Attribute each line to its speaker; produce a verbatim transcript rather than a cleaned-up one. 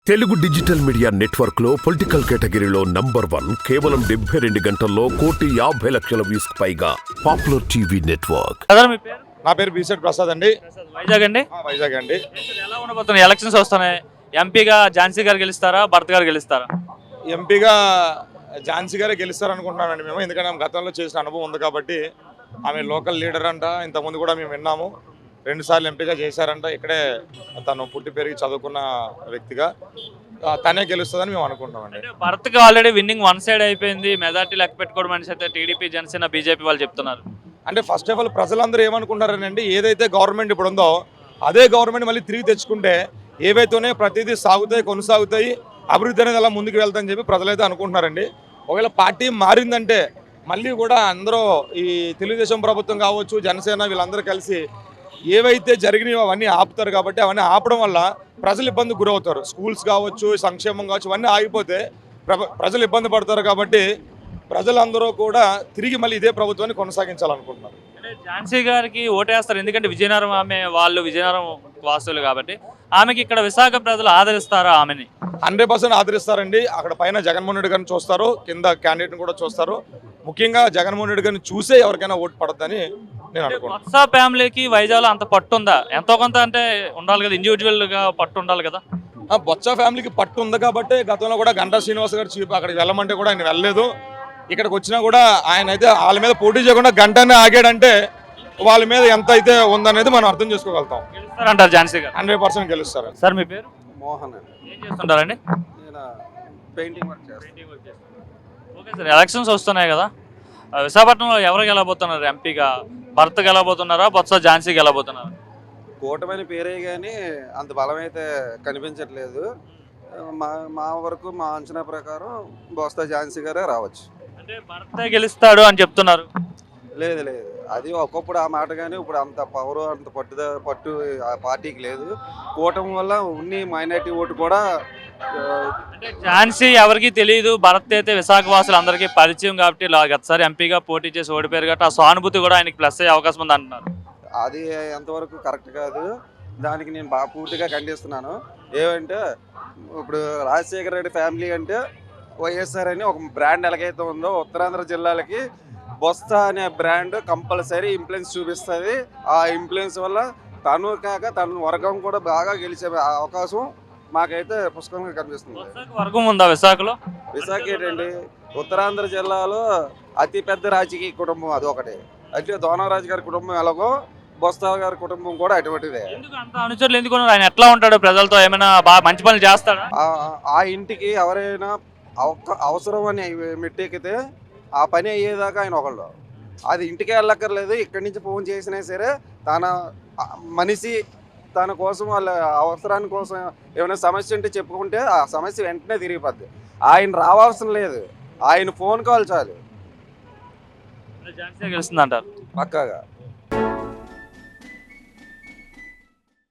Speaker 1: Telugu digital media network లో political కేటగిరీలో number one కేవలం డెబ్బై రెండు గంటల్లో కోటి యాభై లక్షల వ్యూస్ పైగా పాపులర్ టీవీ నెట్వర్క్.
Speaker 2: నా పేరు బీసెట్ ప్రసాద్ అండి.
Speaker 3: వైజాగ్ అండి.
Speaker 2: వైజాగ్ అండి.
Speaker 3: ఎలా ఉండబోతున్నాయి ఎలక్షన్స్ వస్తున్నాయి? ఎంపీగా ఝాన్సీ గారు గెలుస్తారా, భరత్ గారు గెలుస్తారా?
Speaker 2: ఎంపీగా ఝాన్సీ గారే గెలుస్తారు అనుకుంటున్నానండి మేము. ఎందుకంటే ఆమె గతంలో చేసిన అనుభవం ఉంది కాబట్టి. ఆమె లోకల్ లీడర్ అంట, ఇంతకుముందు కూడా మేము విన్నాము. రెండు సార్లు ఎంపీగా చేశారంట. ఇక్కడే తను పుట్టి పెరిగి చదువుకున్న వ్యక్తిగా తనే గెలుస్తుందని మేము అనుకుంటున్నామండి.
Speaker 3: భరత్కి ఆల్రెడీ విన్నింగ్ వన్ సైడ్ అయిపోయింది, మెజార్టీ లెక్క పెట్టుకోవడం అనేసి అయితే టీడీపీ, జనసేన, బీజేపీ వాళ్ళు చెప్తున్నారు.
Speaker 2: అంటే ఫస్ట్ ఆఫ్ ఆల్ ప్రజలందరూ ఏమనుకుంటారనండి, ఏదైతే గవర్నమెంట్ ఇప్పుడు ఉందో అదే గవర్నమెంట్ మళ్ళీ తిరిగి తెచ్చుకుంటే ఏవైతేనే ప్రతిదీ సాగుతాయి, కొనసాగుతాయి, అభివృద్ధి అనేది అలా ముందుకు వెళ్తాయని చెప్పి ప్రజలైతే అనుకుంటున్నారండి. ఒకవేళ పార్టీ మారిందంటే మళ్ళీ కూడా అందరూ ఈ తెలుగుదేశం ప్రభుత్వం కావచ్చు, జనసేన వీళ్ళందరూ కలిసి ఏవైతే జరిగినాయో అవన్నీ ఆపుతారు. కాబట్టి అవన్నీ ఆపడం వల్ల ప్రజలు ఇబ్బంది గురవుతారు. స్కూల్స్ కావచ్చు, సంక్షేమం కావచ్చు, ఇవన్నీ ఆగిపోతే ప్రజలు ఇబ్బంది పడతారు. కాబట్టి ప్రజలందరూ కూడా తిరిగి మళ్ళీ ఇదే ప్రభుత్వాన్ని కొనసాగించాలనుకుంటున్నారు.
Speaker 3: ఝాన్సీ గారికి ఓటేస్తారు, ఎందుకంటే విజయనగరం ఆమె వాళ్ళు విజయనగరం వాసులు కాబట్టి. ఆమెకి ఇక్కడ విశాఖ ప్రజలు ఆదరిస్తారా? ఆమెని
Speaker 2: హండ్రెడ్ పర్సెంట్ ఆదరిస్తారండి. అక్కడ పైన జగన్మోహన్ రెడ్డి గారిని చూస్తారు, కింద క్యాండిడేట్ని కూడా చూస్తారు. ముఖ్యంగా జగన్మోహన్ రెడ్డి గారిని చూసే ఎవరికైనా ఓటు పడద్దని నేను అనుకుంటున్నాను.
Speaker 3: బొత్స ఫ్యామిలీకి వైజాగ్లో అంత పట్టు ఉందా? ఎంతో కొంత అంటే ఉండాలి కదా, ఇండివిజువల్గా పట్టు ఉండాలి కదా.
Speaker 2: బొత్స ఫ్యామిలీకి పట్టు ఉంది కాబట్టి గతంలో కూడా గంటా శ్రీనివాస్ గారు చీఫ్ అక్కడికి వెళ్ళమంటే కూడా ఆయన వెళ్ళలేదు. ఇక్కడికి వచ్చినా కూడా ఆయన అయితే వాళ్ళ మీద పోటీ చేయకుండా గంటనే ఆగాడంటే వాళ్ళ మీద ఎంత అయితే ఉందనేది మనం అర్థం చేసుకోగలుగుతాం.
Speaker 3: గెలుస్తారంటారు ఝాన్సీ గారు?
Speaker 2: హండ్రెడ్ పర్సెంట్ గెలుస్తారు.
Speaker 3: సార్ మీ పేరు?
Speaker 4: మోహన్.
Speaker 3: ఏం చేస్తుంటారండి?
Speaker 4: పెయింటింగ్ వర్క్ చేస్తాను.
Speaker 3: ఓకే సార్, ఎలక్షన్స్ వస్తున్నాయి కదా, విశాఖపట్నంలో ఎవరు గెలబోతున్నారు ఎంపీగా? భరత్ గెలబోతున్నారా, బొత్స ఝాన్సీ గెలబోతున్నారా?
Speaker 4: కూటమైన పేరే కానీ అంత బలం అయితే కనిపించట్లేదు. మా మా వరకు మా అంచనా ప్రకారం బొత్స ఝాన్సీ గారే రావచ్చు.
Speaker 3: అంటే భరతే గెలుస్తాడు అని చెప్తున్నారు.
Speaker 4: లేదు లేదు, అది ఒకప్పుడు ఆ మాట, కానీ ఇప్పుడు అంత పవర్, అంత పట్టుద పట్టు ఆ పార్టీకి లేదు. కూటమి వల్ల ఉన్ని మైనార్టీ ఓటు కూడా.
Speaker 3: అంటే ఝాన్సీ ఎవరికి తెలియదు, భరత్ అయితే విశాఖ వాసులు అందరికీ పరిచయం కాబట్టి గతసారి ఎంపీగా పోటీ చేసి ఓడిపోయారు కాబట్టి ఆ సానుభూతి కూడా ఆయనకి ప్లస్ అయ్యే అవకాశం ఉంది అంటున్నారు.
Speaker 4: అది ఎంతవరకు కరెక్ట్ కాదు. దానికి నేను బాగా పూర్తిగా ఖండిస్తున్నాను. ఏమంటే ఇప్పుడు రాజశేఖర రెడ్డి ఫ్యామిలీ అంటే వైఎస్ఆర్ అని ఒక బ్రాండ్ ఎలాగైతే ఉందో ఉత్తరాంధ్ర జిల్లాలకి బొత్స అనే బ్రాండ్ కంపల్సరీ ఇన్ఫ్లుయెన్స్ చూపిస్తుంది. ఆ ఇన్ఫ్లుయెన్స్ వల్ల తను కాక తన వర్గం కూడా బాగా గెలిచే అవకాశం మాకైతే పుష్కలంగా కనిపిస్తుంది.
Speaker 3: వర్గం ఉందా విశాఖలో?
Speaker 4: విశాఖ ఏంటండి, ఉత్తరాంధ్ర జిల్లాలో అతి పెద్ద రాజకీయ కుటుంబం అది ఒకటి. అయితే దోనరాజు గారి కుటుంబం ఎలాగో బొత్స గారి కుటుంబం కూడా అటువంటిదే.
Speaker 3: అనుచరులు ఎందుకు? ఆయన ఎట్లా ఉంటాడు ప్రజలతో? ఏమైనా బాగా మంచి పనులు చేస్తాడా?
Speaker 4: ఆ ఇంటికి ఎవరైనా అవసరం అని మెట్టెక్కితే ఆ పని అయ్యేదాకా ఆయన ఒకళ్ళు. అది ఇంటికే వెళ్ళక్కర్లేదు, ఇక్కడి నుంచి ఫోన్ చేసినా సరే తన మనిషి తన కోసం వాళ్ళ అవసరాని కోసం ఏమైనా సమస్య ఉంటే చెప్పుకుంటే ఆ సమస్య వెంటనే తిరిగిపోద్ది. ఆయన రావాల్సిన లేదు, ఆయన ఫోన్ కాల్ చాలు.
Speaker 3: ఝాన్సీ గెలుస్తుంది అంటారు
Speaker 4: పక్కాగా.